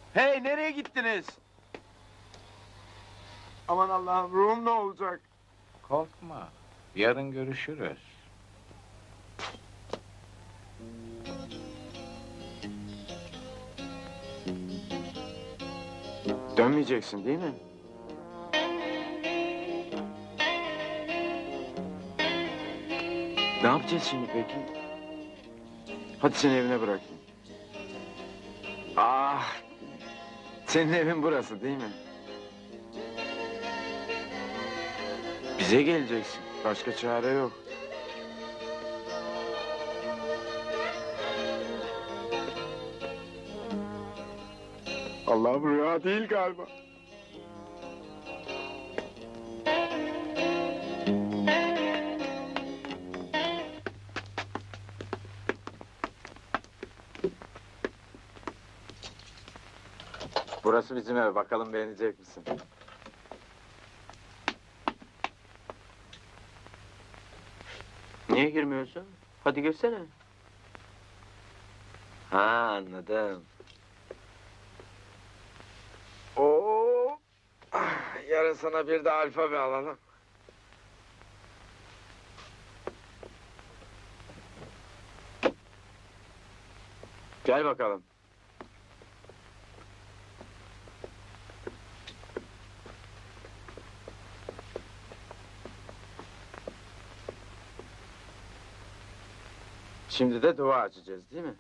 Hey, nereye gittiniz? Aman Allah'ım, ruhum ne olacak? Korkma. Yarın görüşürüz. Dönmeyeceksin değil mi? Ne yapacağız şimdi peki? Hadi seni evine bırakayım. Ah! Senin evin burası değil mi? Bize geleceksin. Başka çare yok. Allah'ım, rüya değil galiba. Burası bizim ev. Bakalım beğenecek misin? Niye girmiyorsun? Hadi girsene. Ha, anladım. Oo! Yarın sana bir de alfabe alalım. Gel bakalım. Şimdi de dua açacağız, değil mi?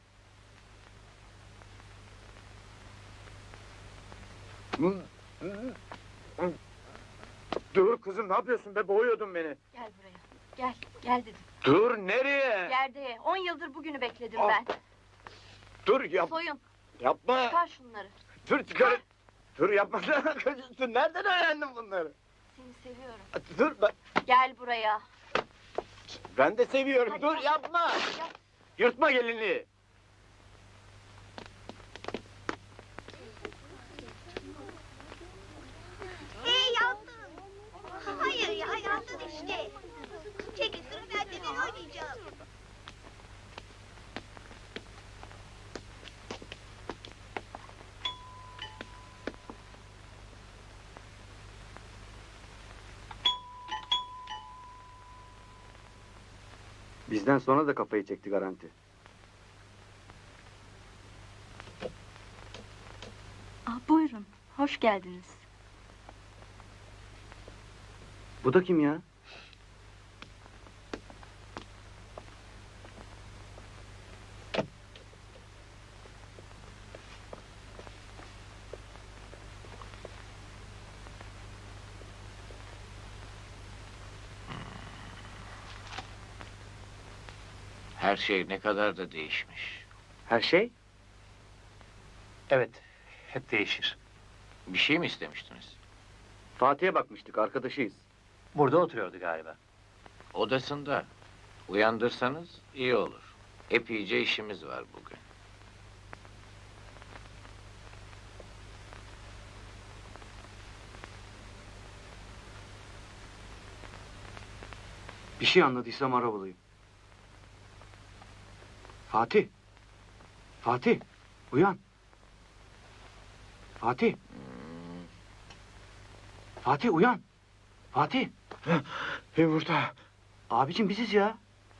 Dur kızım, ne yapıyorsun be? Boğuyordun beni. Gel buraya. Gel, gel dedim. Dur, nereye? Yerde 10 yıldır bugünü bekledim Ah. ben. Dur, soyun. Yapma. Çıkar şunları. Dur, çıkar. Dur, yapma. Dur, nereden öğrendin bunları? Seni seviyorum. Dur, Gel buraya. ben de seviyorum. Hadi Dur, yap. yapma. Yap. Yırtma gelinliği. Yandın. Hayır ya, yandın işte. Çekil sıra bende, ben oynayacağım. Bizden sonra da kafayı çekti garanti. Buyurun, hoş geldiniz. Bu da kim ya? Her şey ne kadar da değişmiş. Her şey? Evet, hep değişir. Bir şey mi istemiştiniz? Fatih'e bakmıştık, arkadaşıyız. Burada oturuyordu galiba. Odasında. Uyandırsanız iyi olur. Epeyce işimiz var bugün. Bir şey anladıysam arabalıyım. Fatih! Fatih! Uyan! Fatih! Fatih uyan! Fatih! Yumurta. Abicim biziz ya.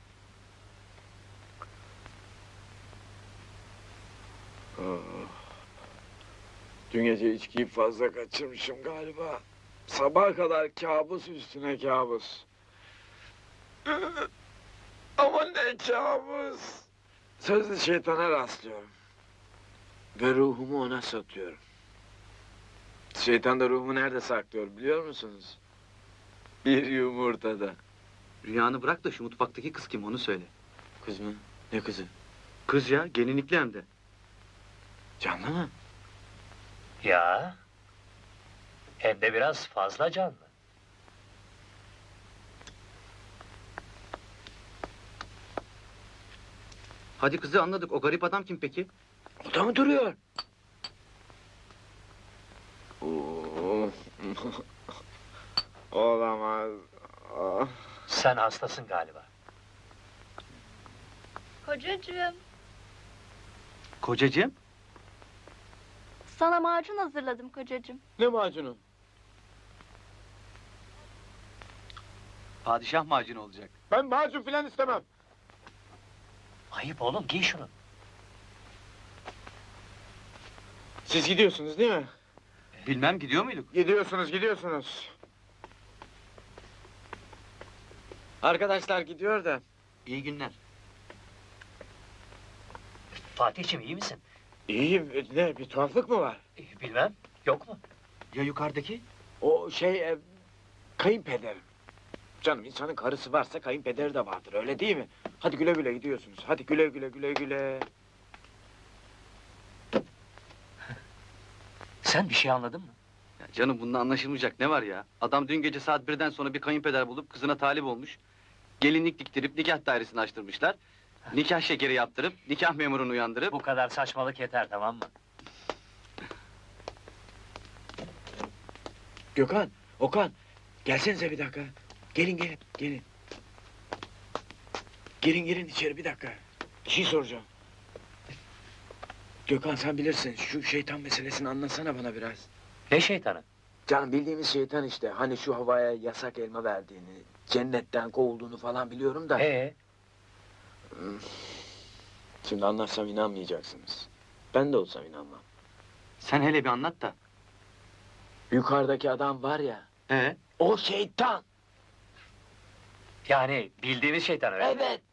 Dün gece içkiyi fazla kaçırmışım galiba. Sabaha kadar kabus üstüne kabus. Ama ne kabus! Sözlü şeytana rastlıyorum. Ve ruhumu ona satıyorum. Şeytan da ruhumu nerede saklıyor biliyor musunuz? Bir yumurtada. Rüyanı bırak da şu mutfaktaki kız kim onu söyle. Kız mı? Ne kızı? Kız ya, gelinlikli hem de. Canlı mı? Ya, hem de biraz fazla canlı. Hadi kızı anladık, o garip adam kim peki? O da mı duruyor? Oo. Olamaz. Ah. Sen hastasın galiba. Kocacığım. Kocacığım? Sana macun hazırladım kocacığım. Ne macunu? Padişah macunu olacak. Ben macun filan istemem. Ayıp oğlum, giy şunu. Siz gidiyorsunuz değil mi? Bilmem gidiyor muyduk? Gidiyorsunuz. Arkadaşlar gidiyor da. İyi günler. Fatih'ciğim iyi misin? İyiyim. Ne, bir tuhaflık mı var? Bilmem, yok mu? Ya yukarıdaki? O şey, kayınpederim. Canım, insanın karısı varsa kayınpederi de vardır, öyle değil mi? Hadi güle güle gidiyorsunuz. Hadi güle güle. Sen bir şey anladın mı? Ya canım bunda anlaşılmayacak ne var ya? Adam dün gece saat 1'den sonra bir kayınpeder bulup kızına talip olmuş. Gelinlik diktirip nikah dairesini açtırmışlar. Nikah şekeri yaptırıp nikah memurunu uyandırıp... Bu kadar saçmalık yeter, tamam mı? Gökhan, Okan, gelsenize bir dakika. Gelin. Girin içeri bir dakika. Bir şey soracağım. Gökhan, sen bilirsin, şu şeytan meselesini anlatsana bana biraz. Ne şeytanı? Canım, bildiğimiz şeytan işte. Hani şu havaya yasak elma verdiğini, cennetten kovulduğunu falan biliyorum da. Şimdi anlatsam inanmayacaksınız. Ben de olsam inanmam. Sen hele bir anlat da. Yukarıdaki adam var ya, Ee? o şeytan! Yani bildiğimiz şeytan öyle mi? Evet!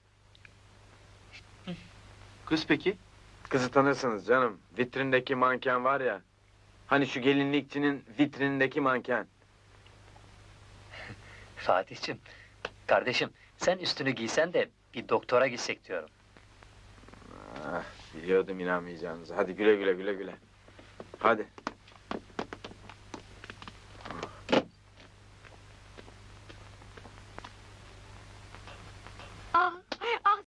Kız peki? Kızı tanırsınız canım. Vitrindeki manken var ya. Hani şu gelinlikçinin vitrinindeki manken. Fatih'ciğim, kardeşim sen üstünü giysen de bir doktora gitsek diyorum. Ah, biliyordum inanmayacağınızı. Hadi güle güle. Hadi.